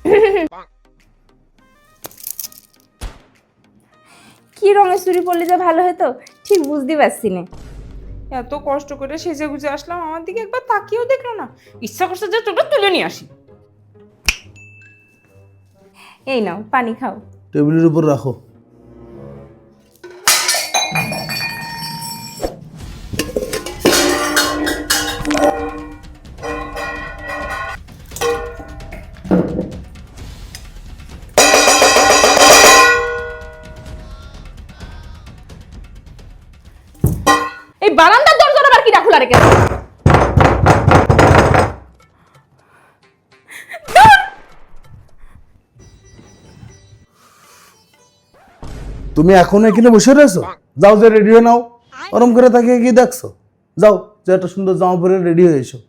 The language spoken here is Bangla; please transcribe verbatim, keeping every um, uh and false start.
কি রঙের চুড়ি পরলে যে ভালো হতো ঠিক বুঝতে পারছি না। এত কষ্ট করে সেজে গুজে আসলাম, আমার দিকে একবার তাকিয়েও দেখলো না। ইচ্ছা করছে যে চোখটা তুলে নিয়ে আসি। এই নাও পানি খাও। টেবিলের উপর রাখো। এই বারান্দার দরজাটা আবার কিটা খোলা রেখেছে? তুমি এখনো এখানে বসে রয়েছো? যাও যে রেডি হয়ে নাও। ওরম করে তাকিয়ে কি দেখছো? যাও যে একটা সুন্দর জামা পরে রেডি হয়ে এসো।